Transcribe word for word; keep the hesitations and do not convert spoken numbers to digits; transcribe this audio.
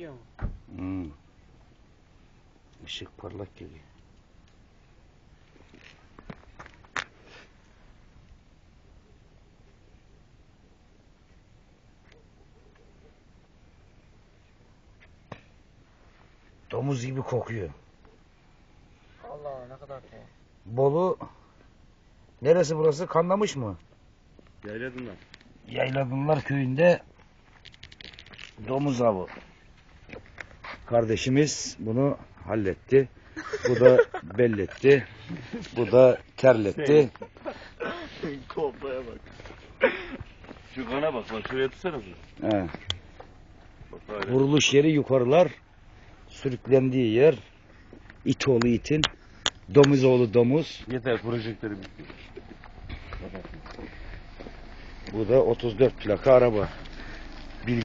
geliyor mu? Hmm. Işık parlak geliyor. Domuz gibi kokuyor. Allah Allah, ne kadar tuhaf. Bolu neresi burası? Kanlamış mı? Yayladınlar. Yayladınlar köyünde domuz avı. Kardeşimiz bunu halletti. Bu da belletti. Bu da terletti. Kobraya bak. Şu kana bak lan, şuraya tutsana. He. Bak öyle. Vuruluş yeri yukarılar. Sürüklendiği yer it oğlu itin. Domuz oğlu domuz. Yeter, projektörü bitti. Bu da otuz dört plaka araba.